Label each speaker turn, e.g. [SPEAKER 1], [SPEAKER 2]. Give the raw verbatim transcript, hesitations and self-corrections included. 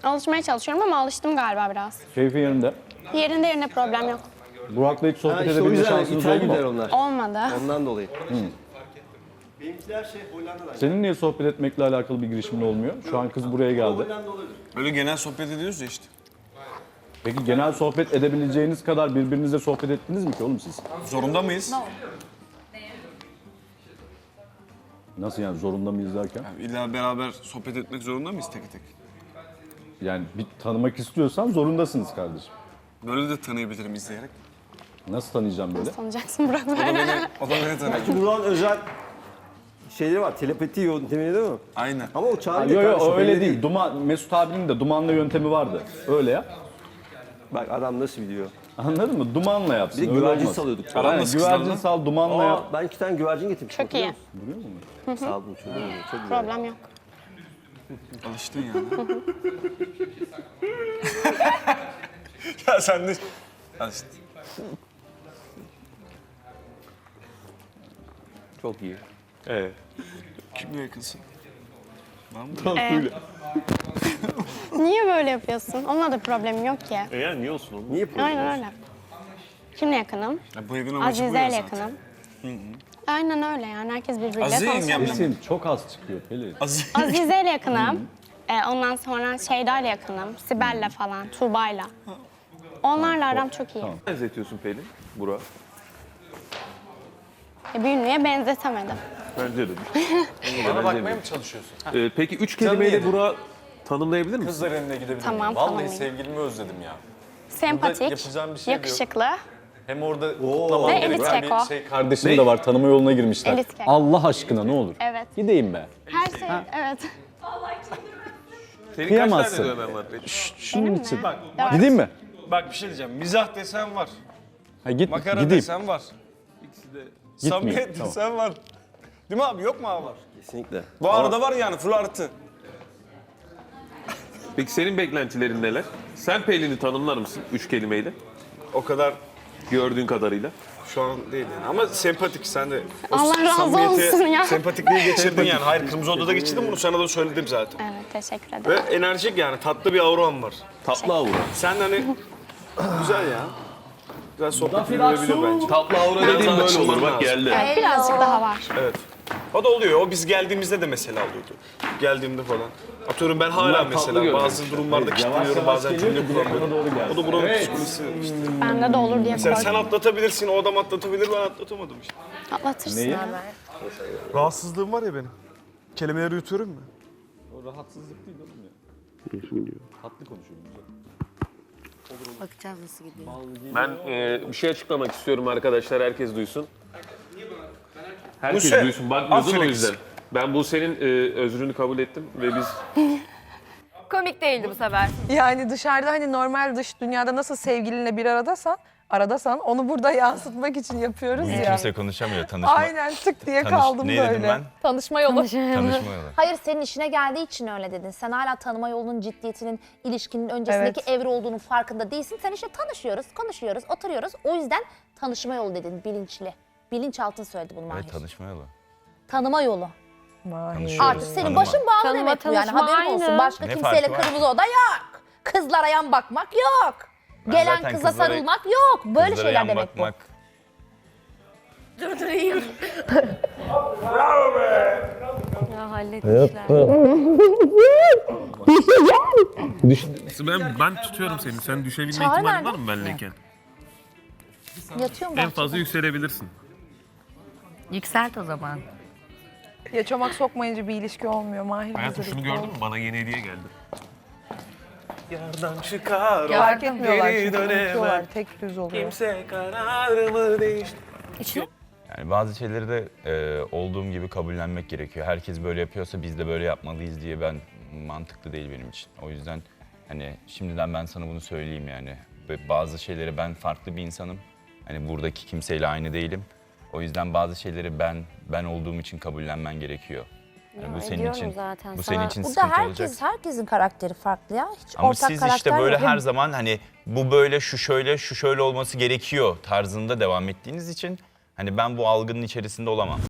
[SPEAKER 1] Alışmaya çalışıyorum ama alıştım galiba biraz.
[SPEAKER 2] Keyfi yerinde.
[SPEAKER 1] Yerinde yerine problem yok.
[SPEAKER 2] Burak'la hiç sohbet
[SPEAKER 3] Ha, işte o
[SPEAKER 2] edebilme
[SPEAKER 3] yüzden
[SPEAKER 2] şansınız
[SPEAKER 3] ithal
[SPEAKER 2] oldu
[SPEAKER 3] gider
[SPEAKER 2] mu?
[SPEAKER 3] onlar.
[SPEAKER 1] Olmadı.
[SPEAKER 3] Ondan dolayı.
[SPEAKER 4] Benimkiler şey Hollanda'dan.
[SPEAKER 2] Senin niye sohbet etmekle alakalı bir girişimin olmuyor? Şu an kız buraya geldi.
[SPEAKER 4] Hollanda olabilir.
[SPEAKER 5] Öyle genel sohbet ediyoruz ya işte.
[SPEAKER 2] Peki genel sohbet edebileceğiniz kadar birbirinizle sohbet ettiniz mi ki oğlum siz?
[SPEAKER 5] Zorunda mıyız?
[SPEAKER 2] Nasıl yani zorunda mıyız derken?
[SPEAKER 5] Yani illa beraber sohbet etmek zorunda mıyız tek tek?
[SPEAKER 2] Yani bir tanımak istiyorsan zorundasınız kardeşim.
[SPEAKER 5] Böyle de tanıyabilirim izleyerek.
[SPEAKER 2] Nasıl tanıyacağım böyle?
[SPEAKER 1] Sanacaksın Burak
[SPEAKER 5] O da
[SPEAKER 1] böyle.
[SPEAKER 5] beni, o da beni tanıyor.
[SPEAKER 3] Çünkü Burak'ın özel şeyleri var. Telepati yöntemi değil mi?
[SPEAKER 5] Aynen.
[SPEAKER 3] Ama o çağrı
[SPEAKER 2] Yok yok
[SPEAKER 3] kardeşim,
[SPEAKER 2] öyle değil. Duman, Mesut abinin de dumanla yöntemi vardı. Öyle ya.
[SPEAKER 3] Bak adam nasıl biliyor.
[SPEAKER 2] Anladın mı? Dumanla yapsın.
[SPEAKER 3] Bir de
[SPEAKER 2] öyle
[SPEAKER 3] güvercin
[SPEAKER 2] olmaz.
[SPEAKER 3] salıyorduk.
[SPEAKER 5] Aran
[SPEAKER 2] Aynen,
[SPEAKER 5] nasıl
[SPEAKER 2] güvercin
[SPEAKER 5] kızlarla?
[SPEAKER 2] sal, dumanla yap.
[SPEAKER 3] Aa, ben iki tane güvercin getirmiştim.
[SPEAKER 1] Çok iyi.
[SPEAKER 2] Biliyor musun?
[SPEAKER 3] Saldım çocuğum. Çok güzel.
[SPEAKER 1] Problem yok.
[SPEAKER 5] Alıştın yani. Ya sen de alıştın.
[SPEAKER 3] Çok iyi.
[SPEAKER 5] Evet. Kimle yakınsın?
[SPEAKER 1] Ee, niye böyle yapıyorsun? Onunla da problemim yok ki.
[SPEAKER 6] E yani niye olsun oğlum?
[SPEAKER 3] Niye problem?
[SPEAKER 1] Aynen öyle. Kimle yakınım?
[SPEAKER 5] Ya bu evin amacı bu
[SPEAKER 1] Azize
[SPEAKER 5] ya
[SPEAKER 1] ile
[SPEAKER 5] zaten.
[SPEAKER 1] yakınım. Aynen öyle yani. Herkes birbiriyle
[SPEAKER 5] Azize
[SPEAKER 1] tanışıyor.
[SPEAKER 5] yengemle mi?
[SPEAKER 2] Kesin çok az çıkıyor Pelin.
[SPEAKER 5] Azize.
[SPEAKER 1] Azize ile yakınım. Ee, ondan sonra Şeyda ile yakınım. Sibel'le falan, Tuğba'yla. Onlarla aram çok iyi.
[SPEAKER 6] Benzetiyorsun Pelin, Burak.
[SPEAKER 1] E, bir ünlüye benzetemedim.
[SPEAKER 6] Bence de.
[SPEAKER 7] Bana bakmaya mı çalışıyorsun?
[SPEAKER 6] Ee, peki üç
[SPEAKER 7] Canım
[SPEAKER 6] kelimeyle
[SPEAKER 7] yedim.
[SPEAKER 6] Burak'ı tanımlayabilir misin?
[SPEAKER 7] Kızlar evine gidebilir
[SPEAKER 1] Tamam,
[SPEAKER 7] miyim? Vallahi
[SPEAKER 1] tamam.
[SPEAKER 7] sevgilimi özledim ya.
[SPEAKER 1] Sempatik,
[SPEAKER 7] yapacağım bir şey de yok.
[SPEAKER 1] yakışıklı.
[SPEAKER 7] Hem orada kutlamam
[SPEAKER 1] Ve
[SPEAKER 7] gereken
[SPEAKER 1] elit keko.
[SPEAKER 7] bir şey.
[SPEAKER 2] Kardeşim de var tanıma yoluna girmişler.
[SPEAKER 1] Elit keko.
[SPEAKER 2] Allah aşkına ne olur.
[SPEAKER 1] Evet.
[SPEAKER 2] Gideyim be.
[SPEAKER 1] Her şey, evet.
[SPEAKER 6] Senin
[SPEAKER 2] Kıyamazsın.
[SPEAKER 6] kaç tane dövmen var Pelin?
[SPEAKER 2] Şunun
[SPEAKER 1] Benim
[SPEAKER 2] için.
[SPEAKER 1] mi?
[SPEAKER 5] Bak,
[SPEAKER 1] Dört.
[SPEAKER 2] Gideyim mi?
[SPEAKER 5] bak bir şey diyeceğim. Mizah desen var.
[SPEAKER 2] Ha, git,
[SPEAKER 5] Makara
[SPEAKER 2] gideyim.
[SPEAKER 5] desen var. İkisi de.
[SPEAKER 2] Gitmeyeyim,
[SPEAKER 5] Samimiyet
[SPEAKER 2] tamam.
[SPEAKER 5] desen var. Değil mi abi? Yok mu abi?
[SPEAKER 3] Kesinlikle.
[SPEAKER 5] Bu arada var yani full artı.
[SPEAKER 6] Peki senin beklentilerin neler? Sen Pelin'i tanımlar mısın üç kelimeyle?
[SPEAKER 5] O kadar
[SPEAKER 6] Gördüğün kadarıyla.
[SPEAKER 5] şu an değil yani. Ama sempatik sen de. O
[SPEAKER 1] Allah razı
[SPEAKER 5] samimiyeti,
[SPEAKER 1] olsun ya.
[SPEAKER 5] Sempatikliği geçirdin yani. Hayır Kırmızı Oda'da geçirdim bunu sana da söyledim zaten.
[SPEAKER 1] Evet, teşekkür
[SPEAKER 5] Ve
[SPEAKER 1] ederim.
[SPEAKER 5] enerjik yani tatlı bir auran var.
[SPEAKER 6] Tatlı aura.
[SPEAKER 5] Sen hani güzel ya. Güzel sohbet yürüyebilir bence.
[SPEAKER 6] Tatlı aura dediğim böyle
[SPEAKER 5] tanışman
[SPEAKER 6] olur bak
[SPEAKER 5] lazım.
[SPEAKER 6] geldi.
[SPEAKER 1] Evet, birazcık daha var.
[SPEAKER 5] Evet. O da oluyor. O biz geldiğimizde de mesela oluyordu. Geldiğimde falan. Atıyorum ben hala
[SPEAKER 6] Bunlar tatlı
[SPEAKER 5] mesela
[SPEAKER 6] görünüyor.
[SPEAKER 5] bazı durumlarda
[SPEAKER 2] Yavaş
[SPEAKER 5] kilitleniyorum
[SPEAKER 2] yavaş
[SPEAKER 5] bazen
[SPEAKER 2] geliyor
[SPEAKER 5] cümle
[SPEAKER 2] ki direkt
[SPEAKER 5] kuramıyorum.
[SPEAKER 2] bana doğru gelsin.
[SPEAKER 5] O da buranın psikolojisi işte.
[SPEAKER 1] Bende de olur diye
[SPEAKER 5] Mesela sen
[SPEAKER 1] koydum.
[SPEAKER 5] atlatabilirsin, o adam atlatabilir, ben atlatamadım işte.
[SPEAKER 1] Atlatırsın
[SPEAKER 2] Neyi?
[SPEAKER 1] hemen.
[SPEAKER 5] Rahatsızlığım var ya benim. Kelimeleri yutuyorum mu?
[SPEAKER 2] O rahatsızlık değil oğlum ya. Tatlı konuşuyorum.
[SPEAKER 8] Bakacağız nasıl gidiyor.
[SPEAKER 6] Ben e, bir şey açıklamak istiyorum arkadaşlar, herkes duysun. Herkes
[SPEAKER 5] Buse,
[SPEAKER 6] duysun, bakmıyordun o
[SPEAKER 5] aferin
[SPEAKER 6] yüzden. Ben bu senin e, özrünü kabul ettim ve biz
[SPEAKER 8] Komik değildi bu sefer.
[SPEAKER 9] Yani dışarıda hani normal dış dünyada nasıl sevgilinle bir aradasan, aradasan onu burada yansıtmak için yapıyoruz
[SPEAKER 10] Bugün
[SPEAKER 9] ya.
[SPEAKER 10] kimse konuşamıyor. Tanışma,
[SPEAKER 9] Aynen tık diye
[SPEAKER 10] tanış-
[SPEAKER 9] kaldım
[SPEAKER 10] ne
[SPEAKER 9] böyle.
[SPEAKER 10] dedim ben?
[SPEAKER 9] Tanışma yolu.
[SPEAKER 10] Tanışma yolu.
[SPEAKER 8] Hayır senin işine geldiği için öyle dedin. Sen hala tanıma yolunun ciddiyetinin, ilişkinin öncesindeki
[SPEAKER 9] Evet.
[SPEAKER 8] evre olduğunun farkında değilsin. Sen işte tanışıyoruz, konuşuyoruz, oturuyoruz. O yüzden tanışma yolu dedin bilinçli. Bilinçaltın söyledi bunu Mahir.
[SPEAKER 10] Evet, tanışma yolu.
[SPEAKER 8] Tanıma yolu.
[SPEAKER 9] Mahir.
[SPEAKER 10] Tanışıyoruz.
[SPEAKER 8] Artık senin
[SPEAKER 10] tanıma.
[SPEAKER 8] başın bağlı
[SPEAKER 1] Tanıma,
[SPEAKER 8] demek bu yani
[SPEAKER 1] tanışma
[SPEAKER 8] haberin olsun.
[SPEAKER 1] aynı.
[SPEAKER 8] Başka
[SPEAKER 10] Ne
[SPEAKER 8] kimseyle
[SPEAKER 10] farkı var?
[SPEAKER 8] kırmızı oda yok. Kızlara yan bakmak yok. Gelen
[SPEAKER 10] zaten
[SPEAKER 8] kıza
[SPEAKER 10] kızlara-
[SPEAKER 8] sarılmak yok. Böyle
[SPEAKER 10] Kızlara
[SPEAKER 8] şeyler
[SPEAKER 10] yan
[SPEAKER 8] demek
[SPEAKER 10] bakmak.
[SPEAKER 8] Ya halletmişler.
[SPEAKER 6] ben ben tutuyorum seni. Sen düşebilme
[SPEAKER 8] Çağrı
[SPEAKER 6] ihtimalin
[SPEAKER 8] nerede?
[SPEAKER 6] var mı benleyken?
[SPEAKER 8] Yatıyorum
[SPEAKER 6] En
[SPEAKER 8] bahçede.
[SPEAKER 6] fazla yükselebilirsin.
[SPEAKER 8] Yükselt o zaman.
[SPEAKER 9] Ya çomak sokmayınca bir ilişki olmuyor. Mahir
[SPEAKER 6] Hayatım
[SPEAKER 9] hazırlıklı
[SPEAKER 6] şunu gördün
[SPEAKER 9] ol.
[SPEAKER 6] mü? Bana yeni hediye geldi.
[SPEAKER 5] Yardan çıkar
[SPEAKER 9] Fark etmiyorlar
[SPEAKER 5] geri
[SPEAKER 9] çünkü
[SPEAKER 5] dönemem.
[SPEAKER 9] unutuyorlar. Tek düz oluyor.
[SPEAKER 5] Kimse kararımı değiştir.
[SPEAKER 10] Yani bazı şeyleri de e, olduğum gibi kabullenmek gerekiyor. Herkes böyle yapıyorsa biz de böyle yapmalıyız diye ben mantıklı değil benim için. O yüzden hani şimdiden ben sana bunu söyleyeyim yani. Ve bazı şeyleri ben farklı bir insanım. Hani buradaki kimseyle aynı değilim. O yüzden bazı şeyleri ben ben olduğum için kabullenmen gerekiyor. Yani bu senin için
[SPEAKER 8] zaten
[SPEAKER 10] bu
[SPEAKER 8] sana.
[SPEAKER 10] senin için
[SPEAKER 8] Burada
[SPEAKER 10] sıkıntı
[SPEAKER 8] herkes,
[SPEAKER 10] olacak.
[SPEAKER 8] herkesin karakteri farklı ya. Hiç
[SPEAKER 10] Ama
[SPEAKER 8] ortak
[SPEAKER 10] siz
[SPEAKER 8] karakter
[SPEAKER 10] işte böyle
[SPEAKER 8] yok.
[SPEAKER 10] her zaman hani bu böyle şu şöyle şu şöyle olması gerekiyor tarzında devam ettiğiniz için hani ben bu algının içerisinde olamam.